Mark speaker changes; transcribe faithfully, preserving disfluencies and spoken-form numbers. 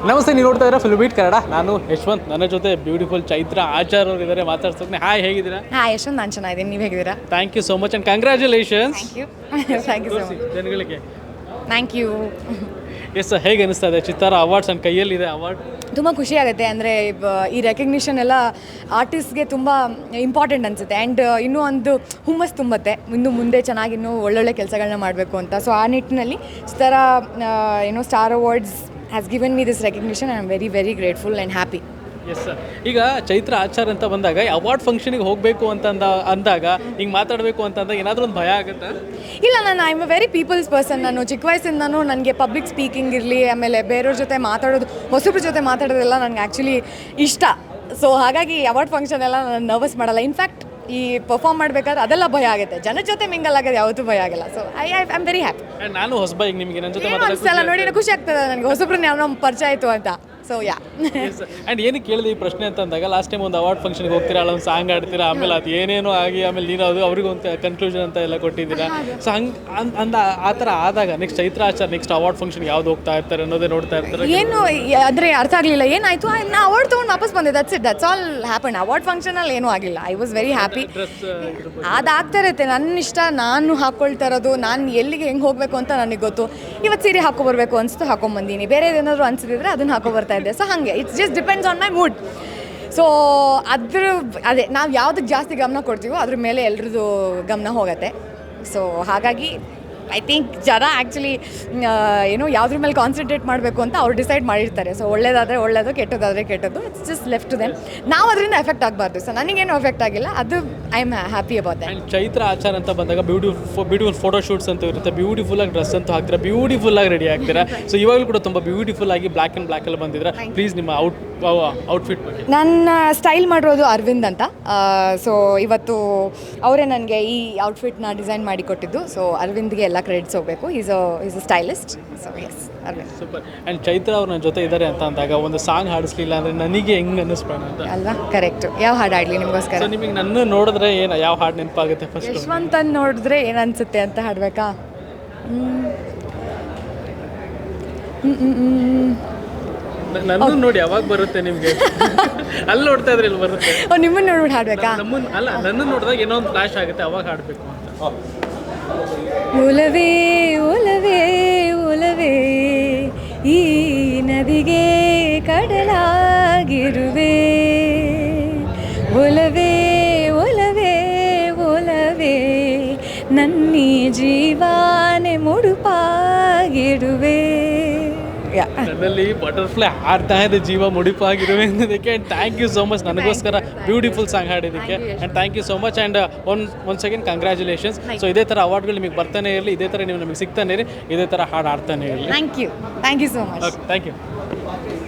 Speaker 1: ನಮಸ್ತೆ, ನೀವು ನೋಡ್ತಾ ಇದ್ದೀರಾ ಫಿಲ್ಮ್ ಬೀಟ್ ಕನ್ನಡ. ನಾನು ಯಶವಂತ್, ನನ್ನ ಜೊತೆ ಬ್ಯೂಟಿಫುಲ್ ಚೈತ್ರ ಆಚಾರ್ ಅವರು ಇದ್ದಾರೆ. ಮಾತಾಡ್ಸೋಕೆ ಹಾಯ್, ಹೇಗಿದ್ದೀರಾ?
Speaker 2: ಹಾಯ್ ಯಶವಂತ್, ನಾನು ಚೆನ್ನಾಗಿದ್ದೀನಿ, ನೀವು ಹೇಗಿದ್ದೀರಾ?
Speaker 1: Thank you so much and congratulations.
Speaker 2: Thank you thank you so much.
Speaker 1: ಜನಗಳಿಗೆ
Speaker 2: ಥ್ಯಾಂಕ್ ಯು.
Speaker 1: ಎಸ್ ಸರ್, ಹೇಗೆ ಅನಿಸ್ತಾ ಇದೆ? ಚಿತ್ತಾರ ಅವಾರ್ಡ್ಸ್ ನನ್ನ ಕೈಯಲ್ಲಿದೆ ಅವಾರ್ಡ್.
Speaker 2: ತುಂಬ ಖುಷಿ ಆಗುತ್ತೆ. ಅಂದರೆ ಈ ರೆಕಗ್ನಿಷನ್ ಎಲ್ಲ ಆರ್ಟಿಸ್ಟ್ಗೆ ತುಂಬ ಇಂಪಾರ್ಟೆಂಟ್ ಅನಿಸುತ್ತೆ ಆ್ಯಂಡ್ ಇನ್ನೂ ಒಂದು ಹುಮ್ಮಸ್ ತುಂಬುತ್ತೆ, ಇನ್ನು ಮುಂದೆ ಚೆನ್ನಾಗಿ ಇನ್ನೂ ಒಳ್ಳೊಳ್ಳೆ ಕೆಲಸಗಳನ್ನ ಮಾಡಬೇಕು ಅಂತ. ಸೊ ಆ ನಿಟ್ಟಿನಲ್ಲಿ ಚಿತ್ತಾರ ಏನೋ star awards has given me this recognition. I am very very grateful and happy.
Speaker 1: Yes sir, ಈಗ ಚೈತ್ರ ಆಚಾರ್ ಅಂತ ಬಂದಾಗ ಅವಾರ್ಡ್ ಫಂಕ್ಷನಿಗೆ ಹೋಗಬೇಕು ಅಂತ ಅಂದ ಅಂದಾಗ ಹಿಂಗೆ ಮಾತಾಡಬೇಕು ಅಂತಂದಾಗ ಏನಾದರೂ ಒಂದು ಭಯ ಆಗುತ್ತಾ?
Speaker 2: ಇಲ್ಲ, ನಾನು I am a very peoples person. ನಾನು ಚಿಕ್ಕ ವಯಸ್ಸಿಂದನೂ ನನಗೆ ಪಬ್ಲಿಕ್ ಸ್ಪೀಕಿಂಗ್ ಇರಲಿ, ಆಮೇಲೆ ಬೇರೆಯವ್ರ ಜೊತೆ ಮಾತಾಡೋದು, ಹೊಸಬ್ರ ಜೊತೆ ಮಾತಾಡೋದೆಲ್ಲ ನನಗೆ ಆ್ಯಕ್ಚುಲಿ ಇಷ್ಟ. ಸೊ ಹಾಗಾಗಿ ಅವಾರ್ಡ್ ಫಂಕ್ಷನ್ ಎಲ್ಲ ನಾನು ನರ್ವಸ್ ಮಾಡಲ್ಲ. ಇನ್ಫ್ಯಾಕ್ಟ್ ಈ ಪರ್ಫಾರ್ಮ್ ಮಾಡಬೇಕಾದ್ರೆ ಅದೆಲ್ಲ ಭಯ ಆಗುತ್ತೆ. ಜನ ಜೊತೆ ಮಿಂಗಲ್ ಆಗೋದು ಯಾವತ್ತೂ ಭಯ ಆಗಿಲ್ಲ. So I I am very happy.
Speaker 1: ನಾನು ಹೊಸಬ, ಈಗ ನಿಮಗೆ ನನ್ನ ಜೊತೆ
Speaker 2: ಅನಿಸ್ತಲ್ಲ ನೋಡಿ, ಖುಷಿ ಆಗ್ತದೆ ನನಗೆ ಹೊಸಬ್ರನ್ನ ಯಾವ ನಮ್ಮ ಪರಿಚಯ ಆಯಿತು ಅಂತ. ಸೊ ಯಾ
Speaker 1: ಆ್ಯಂಡ್ ಏನಕ್ಕೆ ಕೇಳಿದೆ ಈ ಪ್ರಶ್ನೆ ಅಂತ ಅಂದಾಗ, ಲಾಸ್ಟ್ ಟೈಮ್ ಒಂದು ಅವಾರ್ಡ್ ಫಂಕ್ಷನ್ಗೆ ಹೋಗ್ತೀರಾ, ಅಲ್ಲ ಒಂದು ಸಾಂಗ್ ಆಡ್ತೀರಾ, ಆಮೇಲೆ ಅದು ಏನೇನೋ ಆಗಿ ಆಮೇಲೆ ನೀನು ಅದು ಅವ್ರಿಗೆ ಒಂದು ಕನ್ಕ್ಲೂಷನ್ ಅಂತ ಎಲ್ಲ ಕೊಟ್ಟಿದ್ದೀರಾ. ಸೊ ಹಂಗೆ ಅಂದ ಆ ಥರ ಆದಾಗ next Chaitra Achar next award ಫಂಕ್ಷನ್ಗೆ ಯಾವ್ದು ಹೋಗ್ತಾ ಇರ್ತಾರೆ ಅನ್ನೋದೇ ನೋಡ್ತಾ ಇರ್ತಾರೆ.
Speaker 2: ಏನು ಆದರೆ ಅರ್ಥ ಆಗಲಿಲ್ಲ, ಏನಾಯಿತು? ನಾ ಅವಾರ್ಡ್ ತೊಗೊಂಡು ವಾಪಸ್ ಬಂದೆ. That's it, that's all happen. Award ಫಂಕ್ಷನಲ್ಲಿ ಏನೂ ಆಗಿಲ್ಲ. I was very happy. ಅದಾಗ್ತಾ ಇರುತ್ತೆ, ನನ್ನ ಇಷ್ಟ, ನಾನು ಹಾಕ್ಕೊಳ್ತಾ ಇರೋದು, ನಾನು ಎಲ್ಲಿಗೆ ಹೆಂಗೆ ಹೋಗಬೇಕು ಅಂತ ನನಗೆ ಗೊತ್ತು. ಇವತ್ತು ಸೀರೆ ಹಾಕೊಬರ್ಬೇಕು ಅನಿಸ್ತು, ಹಾಕೊಂಬಂದೀನಿ. ಬೇರೆ ಏನಾದರೂ ಅನಿಸಿದ್ರೆ ಅದನ್ನು ಹಾಕೊಬರ್ತಾ ಇದ್ದೆ. ಸೊ ಹಾಗೆ it's just depends on my mood. So ಅದ್ರ ಅದೇ ನಾವು ಯಾವುದಕ್ಕೆ ಜಾಸ್ತಿ ಗಮನ ಕೊಡ್ತೀವೋ ಅದ್ರ ಮೇಲೆ ಎಲ್ರದ್ದು ಗಮನ ಹೋಗುತ್ತೆ. ಸೊ ಹಾಗಾಗಿ ಐ ಥಿಂಕ್ ಜನ ಆ್ಯಕ್ಚುಲಿ ಏನು ಯಾವುದ್ರ ಮೇಲೆ ಕಾನ್ಸಂಟ್ರೇಟ್ ಮಾಡಬೇಕು ಅಂತ ಅವ್ರು ಡಿಸೈಡ್ ಮಾಡಿರ್ತಾರೆ. ಸೊ ಒಳ್ಳೇದಾದರೆ ಒಳ್ಳೇದು, ಕೆಟ್ಟದಾದರೆ ಕೆಟ್ಟದ್ದು. It's just left to them. ನಾವು ಅದರಿಂದ ಎಫೆಕ್ಟ್ ಆಗಬಾರ್ದು. ಸೊ ನನಗೇನು ಎಫೆಕ್ಟ್ ಆಗಿಲ್ಲ, ಅದು I am happy about that.
Speaker 1: Chaitra Achar ಅಂತ ಬಂದಾಗ ಬ್ಯೂಟಿಫುಲ್ ಬ್ಯೂಟಿಫುಲ್ ಫೋಟೋ ಶೂಟ್ಸ್ ಅಂತ ಇರುತ್ತೆ. ಬ್ಯೂಟಿಫುಲ್ ಆಗಿ ಡ್ರೆಸ್ ಅಂತೂ ಹಾಕ್ತೀರಾ, ಬ್ಯೂಟಿಫುಲ್ ಆಗಿ ರೆಡಿ ಆಗ್ತೀರಾ. ಸೊ ಇವಾಗಲೂ ಕೂಡ ತುಂಬ ಬ್ಯೂಟಿಫುಲ್ ಆಗಿ ಬ್ಲ್ಯಾಕ್ ಆ್ಯಂಡ್ ಬ್ಲ್ಯಾಕಲ್ಲಿ ಬಂದಿದ್ದೀರಾ. ಪ್ಲೀಸ್ ನಿಮ್ಮ ಔಟ್ ಔಟ್ಫಿಟ್ ಬಗ್ಗೆ.
Speaker 2: ನನ್ನ ಸ್ಟೈಲ್ ಮಾಡಿರೋದು ಅರವಿಂದ್ ಅಂತ. ಸೊ ಇವತ್ತು ಅವರೇ ನನಗೆ ಈ ಔಟ್ಫಿಟ್ನ ಡಿಸೈನ್ ಮಾಡಿ ಕೊಟ್ಟಿದ್ದು. ಸೊ ಅರವಿಂದ್ಗೆ ಎಲ್ಲ ಕ್ರೆಡಿಟ್ಸ್ ಹೋಗಬೇಕು. Is a is a stylist. So yes, Aravind.
Speaker 1: Super. And Chaitra ಅವ್ರು ನನ್ನ ಜೊತೆ ಇದ್ದಾರೆ ಅಂತ ಅಂದಾಗ ಒಂದು ಸಾಂಗ್ ಹಾಡಿಸ್ಲಿಲ್ಲ ಅಂದರೆ ನನಗೆ ಹೆಂಗೆ ಅನ್ನಿಸ್ಬೇಡ ಅಂತ
Speaker 2: ಅಲ್ವಾ? ಕರೆಕ್ಟು. ಯಾವ ಹಾಡು ಹಾಡಲಿ ನಿಮಗೋಸ್ಕರ?
Speaker 1: ಸೊ ನಿಮಗೆ ನನ್ನ ನೋಡಿದ್ರೆ ಏನು ಯಾವ ಹಾಡು ನೆನಪಾಗುತ್ತೆ ಫಸ್ಟ್?
Speaker 2: ಯಶವಂತನ್ ನೋಡಿದ್ರೆ ಏನು ಅನಿಸುತ್ತೆ ಅಂತ ಹಾಡಬೇಕಾ?
Speaker 1: ನನ್ನ ನೋಡಿ ಯಾವಾಗ ಬರುತ್ತೆ ನಿಮಗೆ? ಅಲ್ಲಿ ನೋಡ್ತಾ ಇದ್ರೆ ಇಲ್ಲಿ ಬರುತ್ತೆ.
Speaker 2: ಓ, ನಿಮ್ಮನ್ನು ನೋಡ್ಬಿಟ್ಟು ಹಾಡಬೇಕಾ?
Speaker 1: ನಮ್ಮನ್ನು ಅಲ್ಲ, ನನ್ನ ನೋಡಿದಾಗ ಏನೋ ಒಂದು ಫ್ಲಾಶ್ ಆಗುತ್ತೆ, ಅವಾಗ ಹಾಡಬೇಕು ಅಂತ.
Speaker 2: ಒಲವೇ ಒಲವೇ ಒಲವೇ ಈ ನದಿಗೆ ಕಡಲಾಗಿರುವೆ, ಒಲವೇ ಒಲವೇ ಒಲವೇ ನನ್ನಿ ಜೀವಾನೆ ಮುಡುಪಾಗಿರುವೆ.
Speaker 1: ನನ್ನಲ್ಲಿ ಬಟರ್ಫ್ಲೈ ಹಾಡ್ತಾ ಇದೆ, ಜೀವ ಮುಡಿಪಾಗಿರುವೆ ಅನ್ನೋದಕ್ಕೆ. And thank you so much ನನಗೋಸ್ಕರ ಬ್ಯೂಟಿಫುಲ್ ಸಾಂಗ್ ಹಾಡಿದ್ದಕ್ಕೆ. And thank you so much. And one one second congratulations. So ಇದೇ ಥರ ಅವಾರ್ಡ್ಗಳು ನಿಮಗೆ ಬರ್ತಾನೆ ಇರಲಿ, ಇದೇ ಥರ ನೀವು ನಮಗೆ ಸಿಗ್ತಾನೆ ಇರಿ, ಇದೇ ಥರ ಹಾಡು ಆಡ್ತಾನೆ ಇರಲಿ.
Speaker 2: Thank you thank you so much.
Speaker 1: Okay, thank you.